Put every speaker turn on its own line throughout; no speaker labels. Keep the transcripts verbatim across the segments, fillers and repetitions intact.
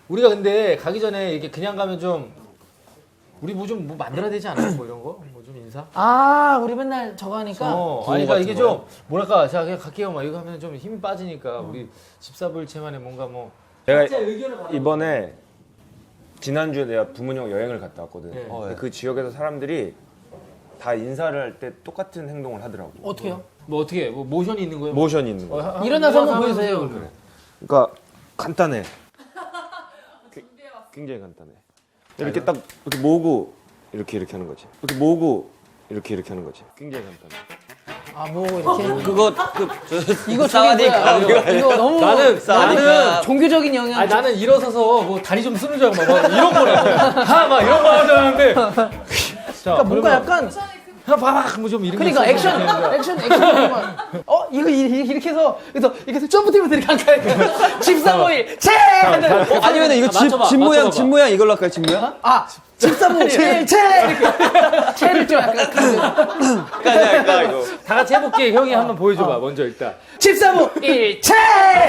우리가 근데 가기 전에 이렇게 그냥 가면 좀 우리 뭐 좀 뭐 만들어야 되지 않아요? 뭐 이런 거? 뭐 좀 인사?
아 우리 맨날 저거 하니까.
어, 아니 그러니까 이게 좀 뭐랄까 자 그냥 갈게요 막 이거 하면 좀 힘이 빠지니까 우리 집사부일체만의 뭔가 뭐
제가 이번에 지난주에 내가 부모님과 여행을 갔다 왔거든.
네.
근데 그 지역에서 사람들이 다 인사를 할 때 똑같은 행동을 하더라고.
어떻게요?
뭐 어떻게 뭐 모션이 있는 거예요?
모션이 있는 거야.
어, 하-
일어나서 한번
일어나서
보여주세요.
그러면.
그러니까 간단해. 그- 굉장히 간단해. 이렇게 딱 이렇게 모으고 이렇게 이렇게 하는 거지. 이렇게 모으고 이렇게 이렇게 하는 거지. 굉장히 간단해.
아뭐 이렇게.
그거 그
이거
싸우니까
저기 뭐야, 이거, 이거 너무
나는 나는
종교적인 영향.
아니 나는 일어서서 뭐 다리 좀 쓰는 줄 알고 막, 막 이런 거라고 하막 이런 거 하자는데
그러니까 뭔가 약간
뭐좀 이런
그러니까
게
액션
있었는데.
액션 액션 정말 어 이거 이- 이- 이렇게 해서 그래서 이렇게 해서 점프 뛰면서 이렇게 한가니까 집사모일 채 하는
어, 아니면 이거 집,
맞춰봐,
집 모양
맞춰봐.
집 모양 이걸로 할까요? 집 모양?
아 집사모일 채 채 이렇게 채를 좀 약간
까지 할까 이거?
다 같이 해볼게. 형이 한번 보여줘봐. 먼저 일단.
집사모일 채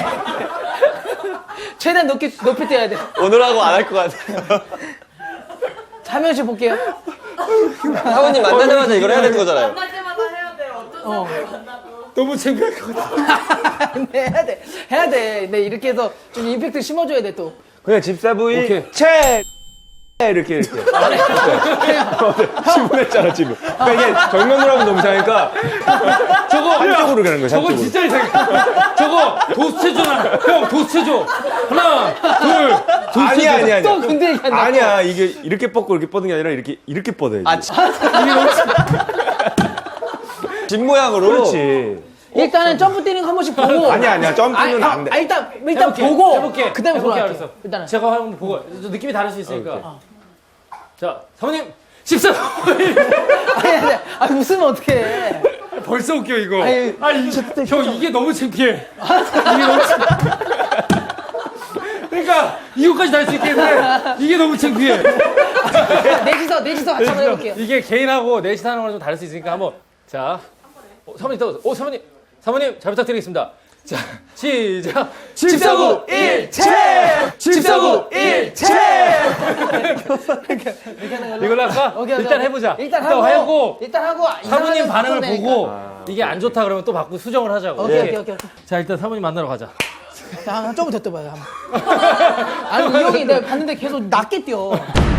최대한 높게 높이 뛰어야 돼.
오늘 하고 안 할 것 같아요.
한 명씩 볼게요.
사모님 만나자마자 이걸 해야 되는 거잖아요.
만날 때마다 해야 돼요. 어떤 사람을 만나도.
너무 창피할 것 같아.
근데 해야 돼 해야 돼. 네 이렇게 해서 좀 임팩트 심어줘야 돼 또.
그냥 집사부인
오케이.
채 이렇게 이렇게. 지분했잖아 지금. 그러니까 이게 정면으로 하면 너무 이상하니까
저거
한쪽으로 가는 거야.
저거
한쪽으로.
진짜 이상해. 저거 도수체조나. 형 도수체조. 하나, 둘, 도수체조.
아니야 아니야 아니야.
또 근데 얘기한다.
아니야 이게 이렇게 뻗고 이렇게 뻗는 게 아니라 이렇게 이렇게 뻗어야지.
아, 지- 집 모양으로.
그렇지.
일단은 점프 뛰는 거 한 번씩 보고.
아니야 아니야 점프는
아,
안 돼.
아, 일단 일단
해볼게,
보고
해볼게.
그다음에
해볼게,
돌아갈게.
알았어.
일단은
제가 한번 보고 저 느낌이 다를 수 있으니까.
오케이.
자, 사모님 십사.
아니 아니 아니 웃으면 어떡해.
벌써 웃겨 이거.
아니,
아니 형 이게 너무 창피해. 이게 너무 창- 그러니까 이거까지 다 할 수 있겠는데 이게 너무 창피해.
넷이서 넷이서 같이 한번 해볼게요.
이게 개인하고 넷이 하는 거랑 좀 다를 수 있으니까 한번 자 어, 사모님 떠 오 사모님 사모님 잘 부탁드리겠습니다. 자 시작 집사부 일체 집사부 일체 이걸로 할까?
오케이, 오케이,
일단
오케이.
해보자.
일단 하고
일단 하고
일단 하고
사모님
이상하면
반응을
바꾸면
보고
되니까.
이게 안 좋다 그러면 또 바꾸고 수정을 하자고.
오케이
예.
오케이 오케이. 오케이.
자 일단 사모님 만나러 가자.
자, 조금 더 떠봐요. 한번. 아니 이 형이 내가 봤는데 계속 낮게 뛰어.